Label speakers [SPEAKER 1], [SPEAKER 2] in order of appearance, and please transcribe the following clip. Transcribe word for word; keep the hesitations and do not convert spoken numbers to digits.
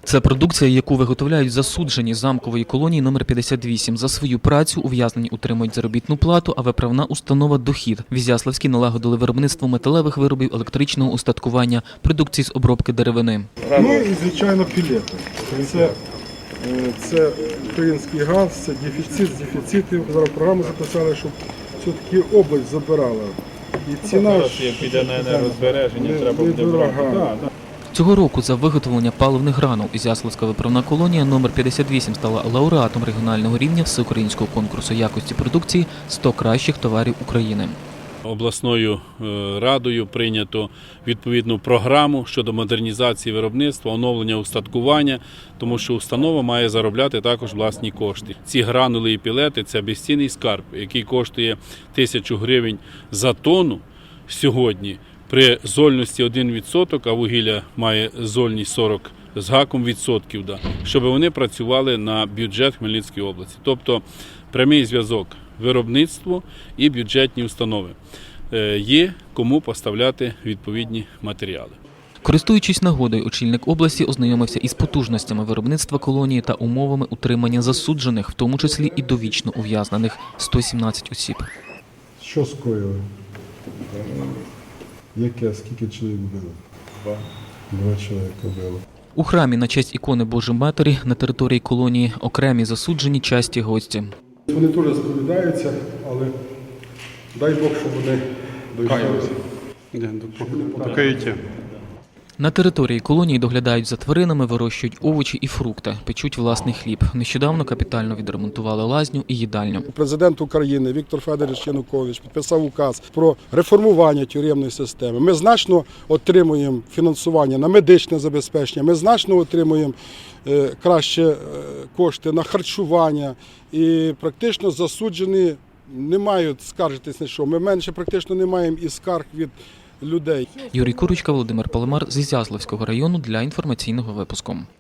[SPEAKER 1] Це продукція, яку виготовляють засуджені замкової колонії номер п'ятдесят вісім. За свою працю ув'язнені отримують заробітну плату, а виправна установа – дохід. В Ізяславській налагодили виробництво металевих виробів, електричного устаткування, продукції з обробки деревини.
[SPEAKER 2] Ну і, звичайно, пілети. Це, це український газ, це дефіцит з дефіцитів. Зараз програму записали, щоб все-таки область забирала. І ціна ж
[SPEAKER 3] піде на енергозбереження, треба буде брати.
[SPEAKER 1] Цього року за виготовлення паливних гранул Ізяславська виправна колонія номер п'ятдесят вісім стала лауреатом регіонального рівня всеукраїнського конкурсу якості продукції «сто кращих товарів України».
[SPEAKER 3] Обласною радою прийнято відповідну програму щодо модернізації виробництва, оновлення устаткування, тому що установа має заробляти також власні кошти. Ці гранули і пілети – це безцінний скарб, який коштує тисячу гривень за тонну сьогодні. При зольності один відсоток, а вугілля має зольність сорок з гаком відсотків, да, щоб вони працювали на бюджет Хмельницької області. Тобто прямий зв'язок виробництво і бюджетні установи. Є кому поставляти відповідні матеріали.
[SPEAKER 1] Користуючись нагодою, очільник області ознайомився із потужностями виробництва колонії та умовами утримання засуджених, в тому числі і довічно ув'язнених – сто сімнадцять осіб.
[SPEAKER 2] що скоїли? Яке? Скільки чоловік було? Два. Два чоловіка було.
[SPEAKER 1] У храмі на честь ікони Божої Матері на території колонії окремі засуджені часті гості.
[SPEAKER 2] Вони теж сповідаються, але дай Бог, щоб вони дійшли.
[SPEAKER 4] До каяття.
[SPEAKER 1] На території колонії доглядають за тваринами, вирощують овочі і фрукти, печуть власний хліб. Нещодавно капітально відремонтували лазню і їдальню.
[SPEAKER 2] Президент України Віктор Федорович Янукович підписав указ про реформування тюремної системи. Ми значно отримуємо фінансування на медичне забезпечення, ми значно отримуємо краще кошти на харчування і практично засуджені не мають скаржитись на що. Ми менше практично не маємо і скарг від людей.
[SPEAKER 1] Юрій Курочка, Володимир Паламар з Ізяславського району для інформаційного випуску.